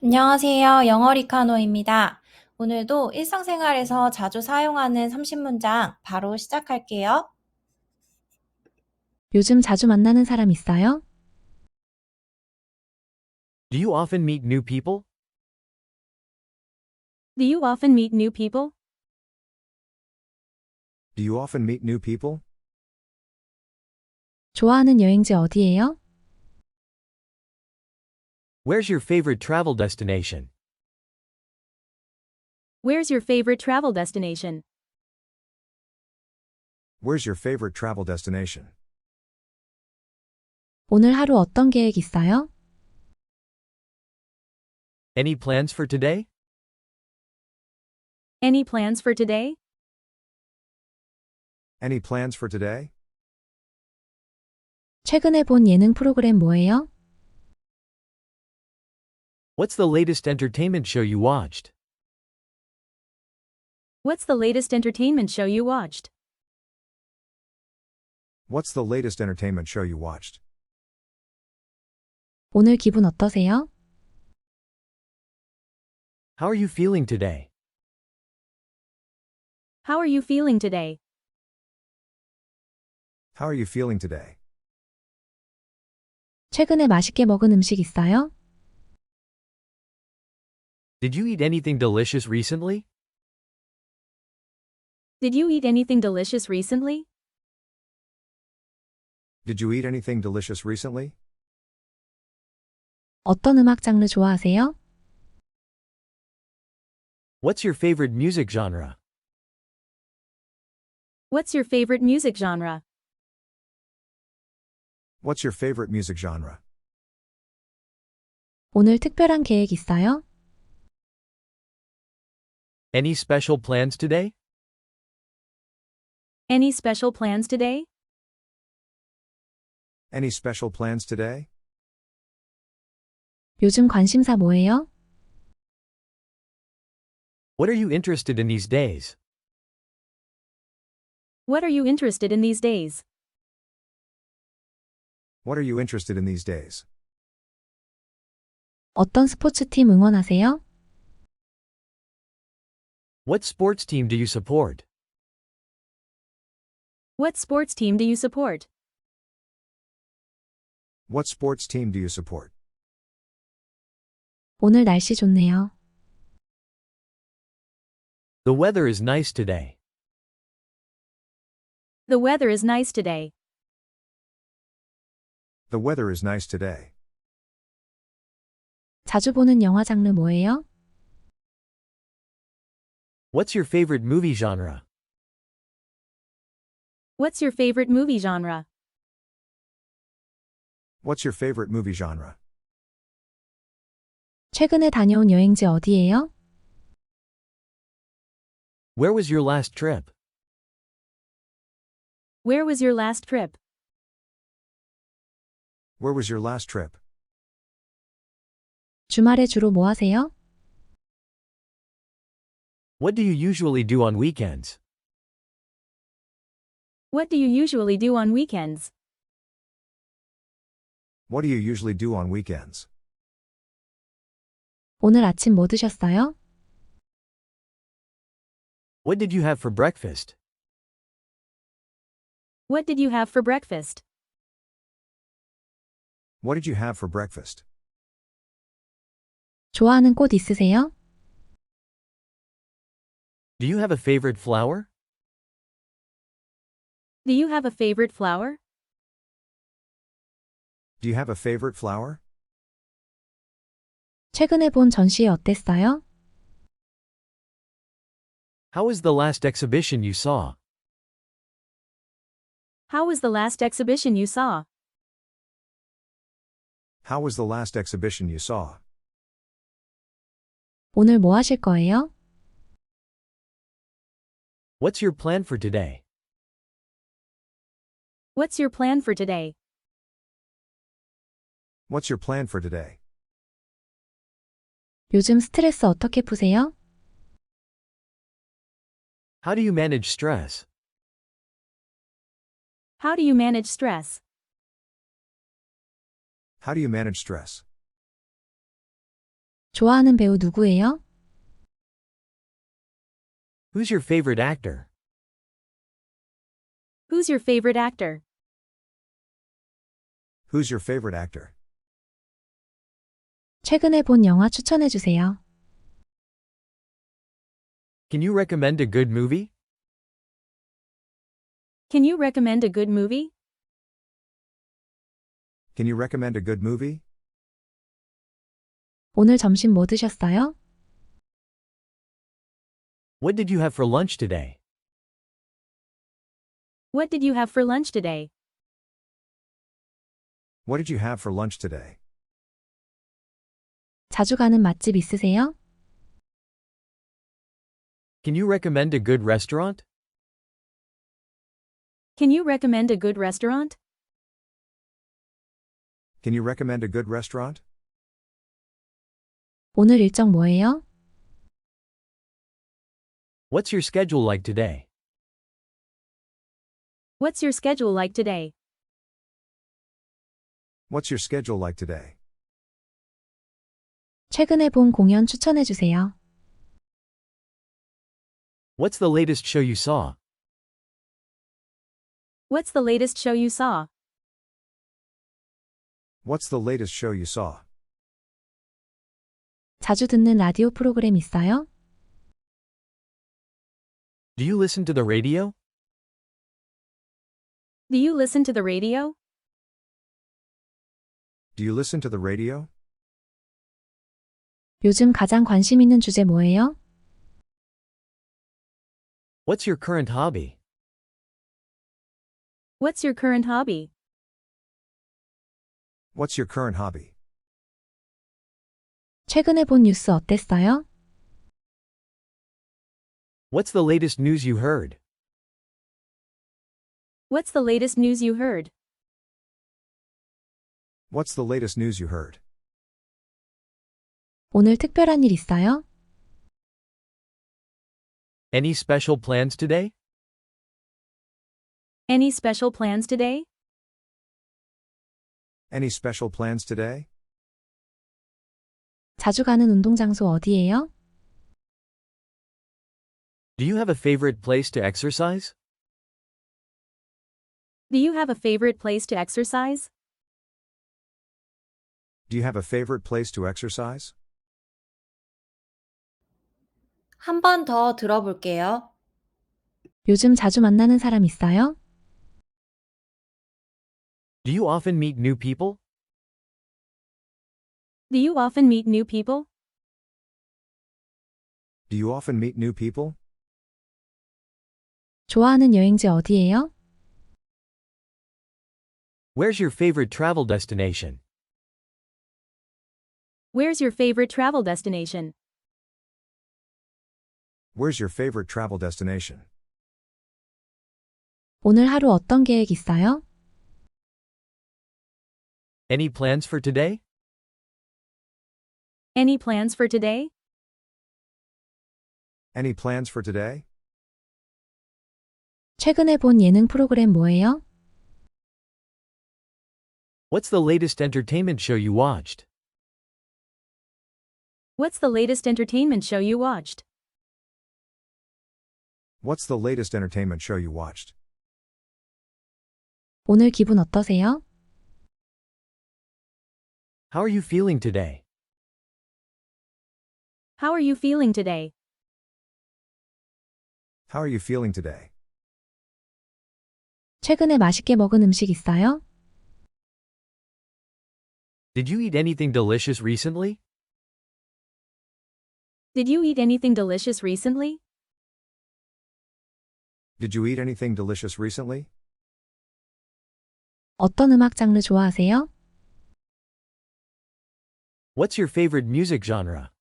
안녕하세요. 영어 리카노입니다. 오늘도 일상생활에서 자주 사용하는 30문장 바로 시작할게요. 요즘 자주 만나는 사람 있어요? Do you often meet new people? Do you often meet new people? Do you often meet new people? 좋아하는 여행지 어디예요? Where's your favorite travel destination? Where's your favorite travel destination? Where's your favorite travel destination? 오늘 하루 어떤 계획 있어요? Any plans for today? Any plans for today? Any plans for today? 최근에 본 예능 프로그램 뭐예요? What's the latest entertainment show you watched? What's the latest entertainment show you watched? What's the latest entertainment show you watched? 오늘 기분 어떠세요? How are you feeling today? How are you feeling today? How are you feeling today? 최근에 맛있게 먹은 음식 있어요? Did you eat anything delicious recently? Did you eat anything delicious recently? Did you eat anything delicious recently? 어떤 음악 장르 좋아하세요? What's your favorite music genre? What's your favorite music genre? What's your favorite music genre? 오늘 특별한 계획 있어요? Any special plans today? Any special plans today? Any special plans today? 요즘 관심사 뭐예요? What are you interested in these days? What are you interested in these days? What are you interested in these days? 어떤 스포츠팀 응원하세요? What sports team do you support? What sports team do you support? What sports team do you support? 오늘 날씨 좋네요. The weather is nice today. The weather is nice today. The weather is nice today. 자주 보는 영화 장르 뭐예요? What's your favorite movie genre? What's your favorite movie genre? What's your favorite movie genre? 최근에 다녀온 여행지 어디예요? Where was your last trip? Where was your last trip? Where was your last trip? 주말에 주로 뭐 하세요? What do you usually do on weekends? What do you usually do on weekends? What do you usually do on weekends? 오늘 아침 뭐 드셨어요? What did you have for breakfast? What did you have for breakfast? What did you have for breakfast? 좋아하는 꽃 있으세요? Do you have a favorite flower? Do you have a favorite flower? Do you have a favorite flower? 최근에 본 전시회 어땠어요? How was the last exhibition you saw? How was the last exhibition you saw? How was the last exhibition you saw? 오늘 뭐 하실 거예요? What's your plan for today? What's your plan for today? What's your plan for today? 요즘 스트레스 어떻게 푸세요? How do you manage stress? How do you manage stress? How do you manage stress? 좋아하는 배우 누구예요? Who's your favorite actor? Who's your favorite actor? Who's your favorite actor? 최근에 본 영화 추천해 주세요. Can you recommend a good movie? Can you recommend a good movie? Can you recommend a good movie? 오늘 점심 뭐 드셨어요? What did you have for lunch today? What did you have for lunch today? What did you have for lunch today? 자주 가는 맛집 있으세요? Can you recommend a good restaurant? Can you recommend a good restaurant? Can you recommend a good restaurant? 오늘 일정 뭐예요? What's your schedule like today? What's your schedule like today? What's your schedule like today? 최근에 본 공연 추천해 주세요. What's the latest show you saw? What's the latest show you saw? What's the latest show you saw? 자주 듣는 라디오 프로그램 있어요? Do you listen to the radio? Do you listen to the radio? Do you listen to the radio? 요즘 가장 관심 있는 주제 뭐예요? What's your current hobby? What's your current hobby? What's your current hobby? 최근에 본 뉴스 어땠어요? What's the latest news you heard? What's the latest news you heard? What's the latest news you heard? 오늘 특별한 일 있어요? Any special plans today? Any special plans today? Any special plans today? 자주 가는 운동 장소 어디예요? Do you have a favorite place to exercise? Do you have a favorite place to exercise? Do you have a favorite place to exercise? 한 번 더 들어볼게요. 요즘 자주 만나는 사람 있어요? Do you often meet new people? Do you often meet new people? Do you often meet new people? 좋아하는 여행지 어디예요? Where's your favorite travel destination? Where's your favorite travel destination? Where's your favorite travel destination? 오늘 하루 어떤 계획 있어요? Any plans for today? Any plans for today? Any plans for today? 최근에 본 예능 프로그램 뭐예요? What's the latest entertainment show you watched? What's the latest entertainment show you watched? What's the latest entertainment show you watched? 오늘 기분 어떠세요? How are you feeling today? How are you feeling today? How are you feeling today? 최근에 맛있게 먹은 음식 있어요? Did you eat anything delicious recently? Did you eat anything delicious recently? Did you eat anything delicious recently? 어떤 음악 장르 좋아하세요? What's your favorite music genre?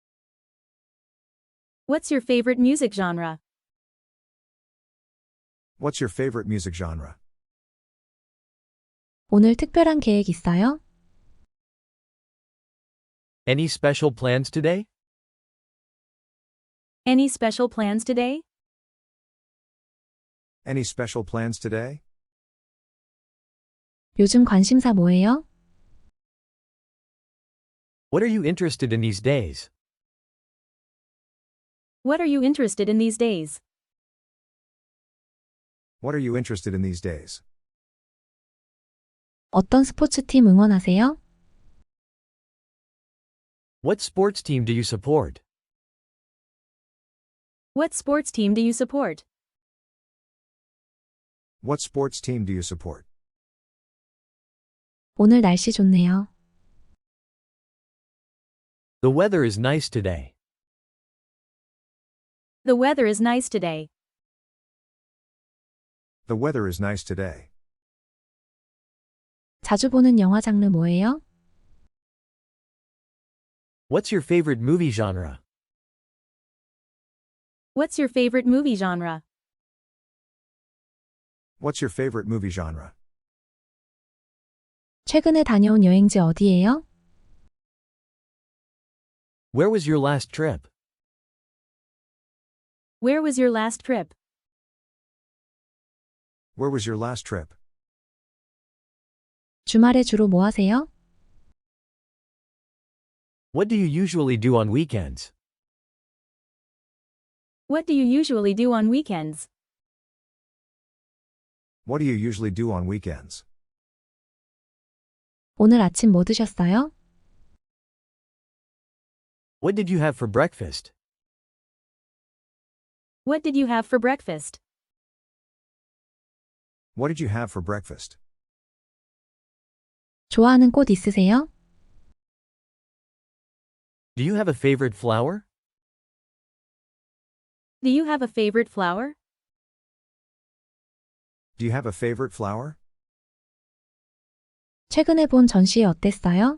What's your favorite music genre? What's your favorite music genre? 오늘 특별한 계획 있어요? Any special plans today? Any special plans today? Any special plans today? 요즘 관심사 뭐예요? What are you interested in these days? What are you interested in these days? What are you interested in these days? 어떤 스포츠팀 응원하세요? What sports team do you support? What sports team do you support? What sports team do you support? 오늘 날씨 좋네요. The weather is nice today. The weather is nice today. The weather is nice today. 자주 보는 영화 장르 뭐예요? What's your favorite movie genre? What's your favorite movie genre? What's your favorite movie genre? 최근에 다녀온 여행지 어디예요? Where was your last trip? Where was your last trip? Where was your last trip? 주말에 주로 뭐 하세요? What do you usually do on weekends? What do you usually do on weekends? What do you usually do on weekends? 오늘 아침 뭐 드셨어요? What did you have for breakfast? What did you have for breakfast? What did you have for breakfast? 좋아하는 꽃 있으세요? Do you have a favorite flower? Do you have a favorite flower? Do you have a favorite flower? 최근에 본 전시회 어땠어요?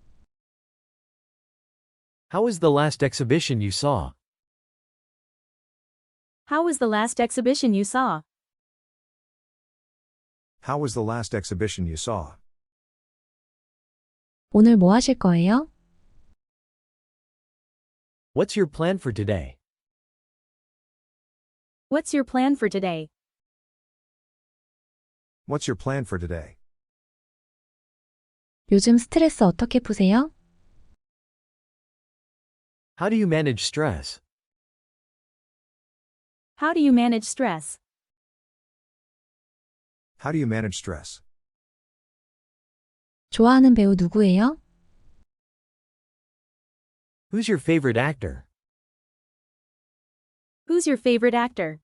How was the last exhibition you saw? How was the last exhibition you saw? How was the last exhibition you saw? 오늘 뭐 하실 거예요? What's your plan for today? What's your plan for today? What's your plan for today? 요즘 스트레스 어떻게 푸세요? How do you manage stress? How do you manage stress? How do you manage stress? 좋아하는 배우 누구예요? Who's your favorite actor? Who's your favorite actor?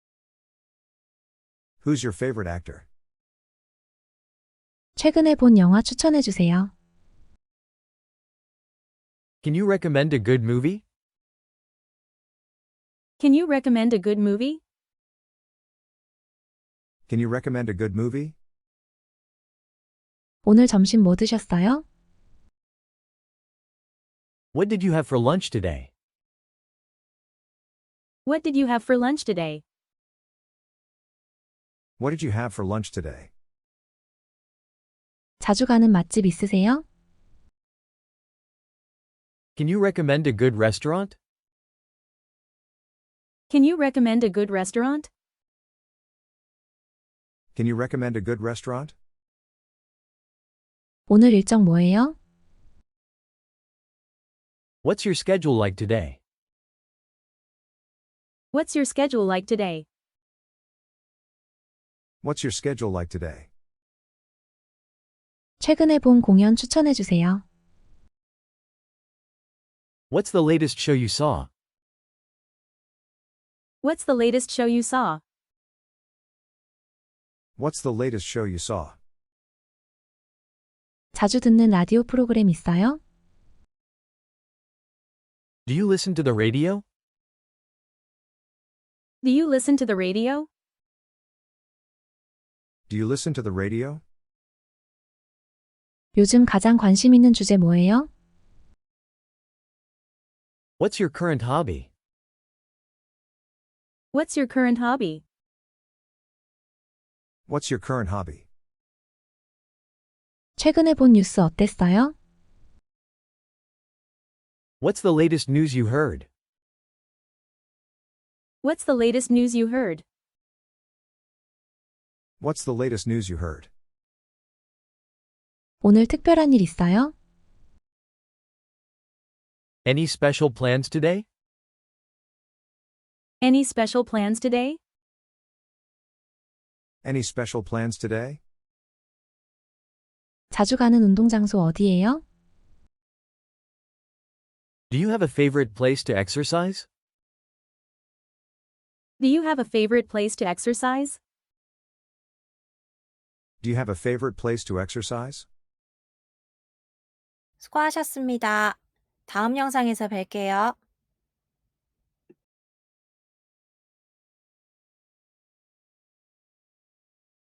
Who's your favorite actor? 최근에 본 영화 추천해 주세요. Can you recommend a good movie? Can you recommend a good movie? Can you recommend a good movie? 오늘 점심 뭐 드셨어요? What did you have for lunch today? What did you have for lunch today? What did you have for lunch today? 자주 가는 맛집 있으세요? Can you recommend a good restaurant? Can you recommend a good restaurant? Can you recommend a good restaurant? 오늘 일정 뭐예요? What's your schedule like today? What's your schedule like today? What's your schedule like today? 최근에 본 공연 추천해 주세요. What's the latest show you saw? What's the latest show you saw? What's the latest show you saw? 자주 듣는 라디오 프로그램 있어요? Do you listen to the radio? Do you listen to the radio? Do you listen to the radio? 요즘 가장 관심 있는 주제 뭐예요? What's your current hobby? What's your current hobby? What's your current hobby? 최근에 본 뉴스 어땠어요? What's the latest news you heard? What's the latest news you heard? What's the latest news you heard? 오늘 특별한 일 있어요? Any special plans today? Any special plans today? Any special plans today? 자주 가는 운동 장소 어디예요? Do you have a favorite place to exercise? Do you have a favorite place to exercise? Do you have a favorite place to exercise? 수고하셨습니다. 다음 영상에서 뵐게요.